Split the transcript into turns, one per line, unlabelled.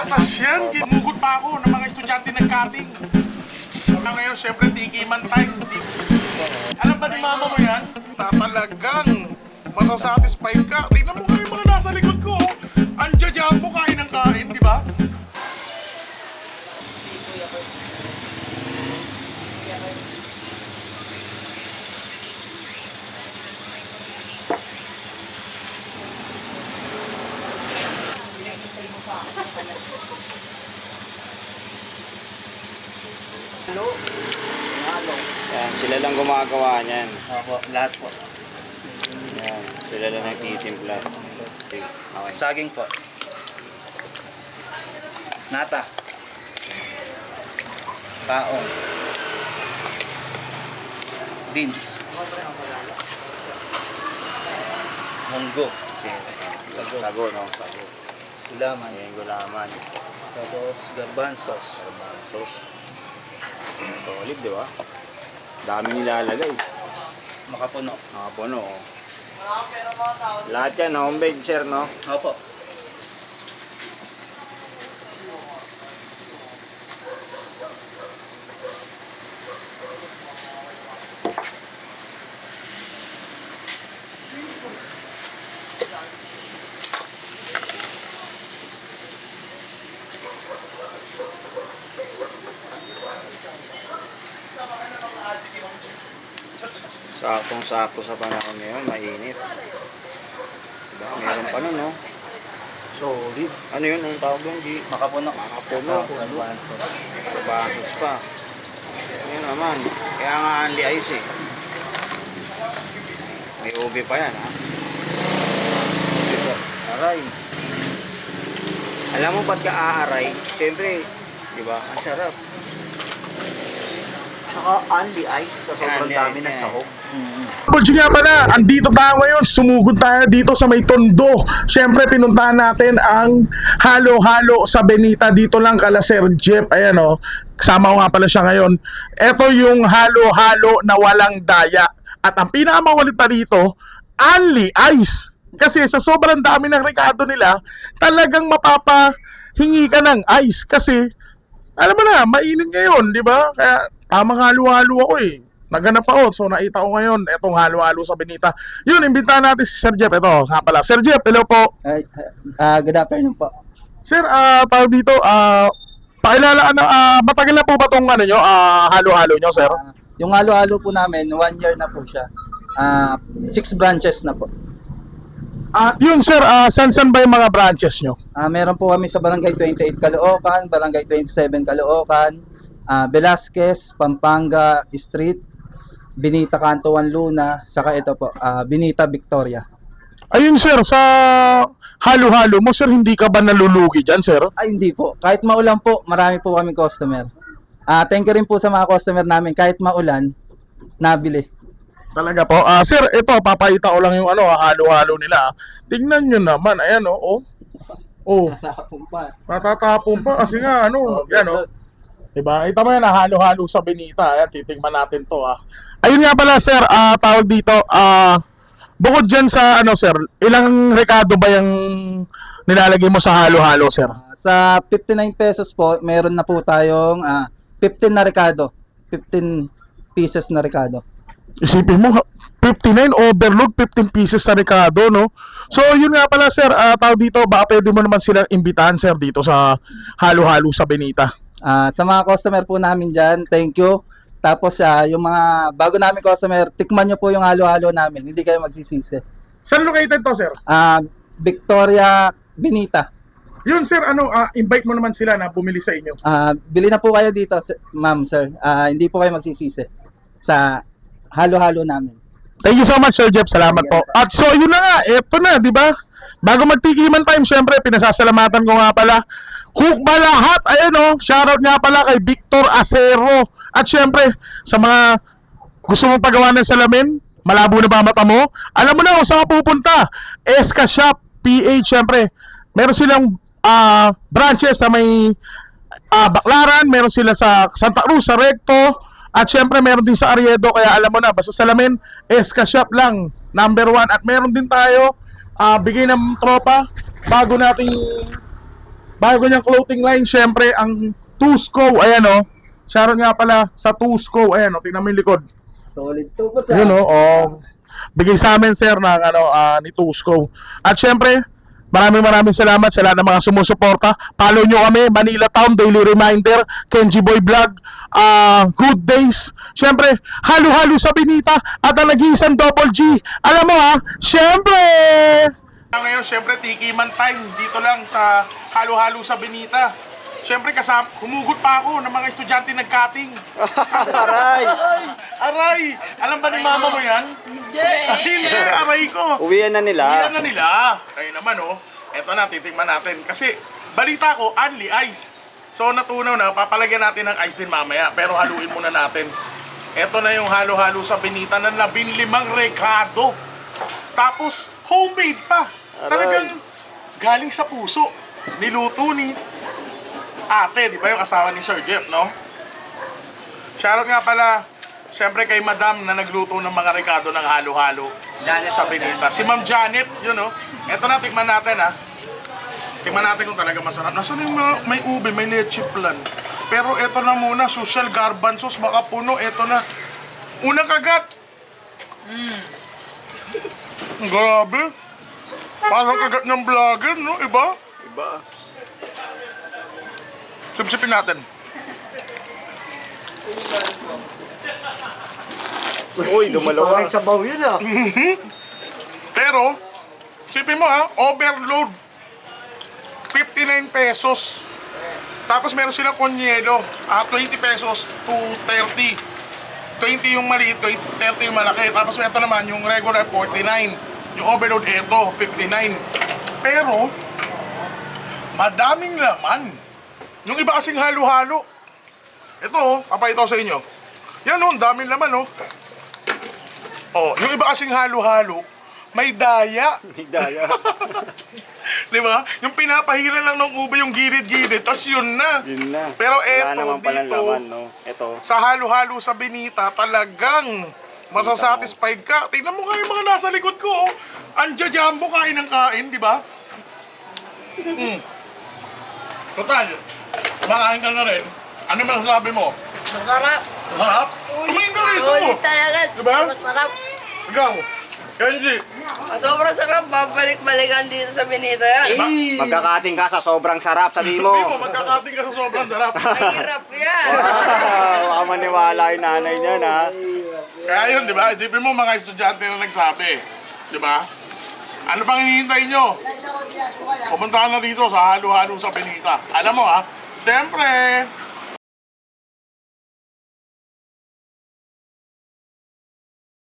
Pasas yan, ginugot pa ako ng mga estudyante nag-cutting. Ngayon, syempre, tikiman time. Alam ba ni mama mo yan? Tatalagang masasatisfy ka. Tingnan mo nga yung mga nasa likod ko. Andiyan mo, kain ng kain, di ba?
Yan, sila lang gumagawa niyan.
Opo, lahat po.
Yan, sila lang nagtitimpla. Okay.
Saging po. Nata. Taong. Beans. Munggo. Sago.
Sago, no? Sago.
Gulaman.
Ayan, gulaman.
Tapos garbanzos.
Sauce. Solid, di ba? Dami nilalagay.
Makapuno.
Nakapuno, oh. Lahat yan, homemade, sir, no?
Opo.
Sakong-sako sa panahon ngayon, mainit. Diba? Meron pa nun, no?
Solid.
Ano yun, ang tawag doon, G?
Makapuno.
Makapuno.
Garbanzos.
Garbanzos pa. Yan naman. Kaya nga only ice, eh. May ubi pa yan, ha?
Dito.
Aray. Alam mo ba't ka aaray? Siyempre, di ba? Ang sarap.
Tsaka only ice sa sobrang
Only
dami
ice,
ng
yeah.
sahog.
Budyo nga pala, andito tayo ngayon, sumugod tayo dito sa may Tondo. Siyempre, pinuntahan natin ang halo-halo sa Benita. Dito lang kala Sir Jeff, ayan o, kasama ko nga pala siya ngayon. Ito yung halo-halo na walang daya. At ang pinakamakulit pa dito, only ice. Kasi sa sobrang dami ng rekado nila, talagang mapapahingi ka ng ice. Kasi, alam mo na, mainit ngayon, di ba? Kaya, tamang halo-halo ako eh. Naganap ako, so nakita ko ngayon etong halo-halo sa Benita. Yun, imbitahan natin si Sir Jeff. Ito, nga pala. Sir Jeff, hello po.
Good afternoon po.
Sir, tawag dito, pakilala, matagal na po ba itong ano nyo, halo-halo nyo, sir?
Yung halo-halo po namin, 1 year na po siya. 6 branches na po.
Yun, sir, san ba yung mga branches nyo?
Meron po kami sa Barangay 28 Caloocan, Barangay 27 Caloocan, Velasquez, Pampanga Street, Benita Canto 1 Luna, saka ito po, Benita Victoria.
Ayun, sir, sa halo-halo mo, sir, hindi ka ba nalulugi dyan, sir?
Ay, hindi po. Kahit maulan po, marami po kami customer. Thank you rin po sa mga customer namin. Kahit maulan, nabili.
Talaga po. Sir, ito, papakita ko lang yung halo-halo nila. Tingnan nyo naman, ayan oh. Oh, natatapon pa kasi nga, yan Diba? Ito mo yan, halo-halo sa Benita. Ayan, titingnan natin to, Ayun nga pala, sir, tawag dito, bukod dyan sa, sir, ilang rekado ba yung nilalagay mo sa halo-halo, sir?
Sa 59 pesos po, meron na po tayong 15 na rekado. 15 pieces na rekado.
Isipin mo, 59 overload, 15 pieces na rekado, no? So, yun nga pala, sir, tawag dito, baka pwede mo naman sila imbitahan, sir, dito sa halo-halo sa Benita.
Sa mga customer po namin dyan, thank you. Tapos yung mga bago namin customer, tikman nyo po yung halo-halo namin. Hindi kayo magsisisi.
Saan located to, sir?
Victoria, Benita.
Yun, sir, invite mo naman sila na bumili sa inyo.
Bili na po kayo dito, ma'am, sir. Hindi po kayo magsisisi sa halo-halo namin.
Thank you so much, Sir Jeff. Salamat po. At so, yun na nga. Ito na, di ba? Bago magtikiman time, syempre, pinasasalamatan ko nga pala. Hook ba lahat? Ayan shoutout nga pala kay Victor Acero. At syempre, sa mga gusto mong pagawa ng salamin, malabo na ba mata mo? Alam mo na kung saan ka pupunta. Eska Shop, PH, syempre. Meron silang branches sa may Baclaran, meron sila sa Santa Cruz, sa Recto, at syempre meron din sa Ariedo. Kaya alam mo na, basta salamin, Eska Shop lang, number 1. At meron din tayo bigay ng tropa bago nating bago niyang clothing line, syempre, ang Tusco, ayan o. Shoutout nga pala sa Tusco, ayan o, tingnan mo yung likod.
Solid to po
Yun o, bigay sa amin sir ng ni Tusco. At syempre, maraming salamat sa lahat ng mga sumusuporta. Follow nyo kami, Manila Town, Daily Reminder, Kenji Boy Vlog, Good Days. Syempre, halo-halo sa Benita at ang nag-iisang Double G. Alam mo ha, syempre! Ngayon, syempre, Tiki Man time dito lang sa halo-halo sa Benita. Syempre, humugot pa ako ng mga estudyante nag-cutting.
Aray!
Aray! Alam ba ni mama mo yan? Hindi! Aray ko!
Uwian na nila.
Iyan na nila. Kayo naman eto na, titikman natin. Kasi balita ko, only ice. So natunaw na, papalagyan natin ng ice din mamaya. Pero haluin muna natin. Eto na yung halo-halo sa Benita na 15 rekado. Tapos, homemade pa. Talagang galing sa puso. Niluto ni ate, di ba yung asawa ni Sir Jeff, no? Shoutout nga pala, syempre kay Madam na nagluto ng mga rekado ng halo-halo sa Benita. Si Ma'am Janet, yun Eto na, tikman natin Tikman natin kung talaga masarap. Nasaan yung may ube, may leche plan. Pero eto na muna, social garbanzos, baka puno, eto na. Unang kagat. Grabe. Parang kagat ng vlogger, no? Iba?
Iba.
Sipsipin natin.
Uy, dumalawa. Parang sabaw yun
Pero, sipin mo overload. 59 pesos. Tapos meron silang konyelo. 20 pesos to 30. 20 yung maliit, 30 yung malaki. Tapos ito naman, yung regular 49. Yung overload, ito, 59. Pero, madaming laman. Yung iba kasing halo-halo. Ito papakita ko sa inyo. Yan ang daming laman yung iba kasing halo-halo, may daya.
May daya.
Di ba? Yung pinapahira lang ng ube yung girid-girid, tas yun na.
Yun na.
Pero
Wala
eto,
naman palang
dito,
laman, no? Ito.
sa halo-halo sa Benita, talagang masasatisfied ka. Tingnan mo nga yung mga nasa likod ko. Anja Jumbo, kain ng kain, di ba? Total, makain ka na rin. Ano masasabi mo?
Masarap.
Masarap? Tumingin ka rito.
Sulit talaga.
Diba?
Masarap.
Ikaw, Kenji.
Sobrang sarap. Babalik-balikan dito sa Benita yan.
Magkakating ka sa sobrang sarap, sabi mo.
Sabi mo, magkakating ka sa sobrang sarap.
Mahirap yan.
Baka maniwala yung nanay niya,
Kaya yun, di ba? Isipin mo mga estudyante na nagsabi. Di ba? Ano pang hinihintay nyo? Pumunta ka na dito sa halo-halo sa Benita. Alam mo siyempre,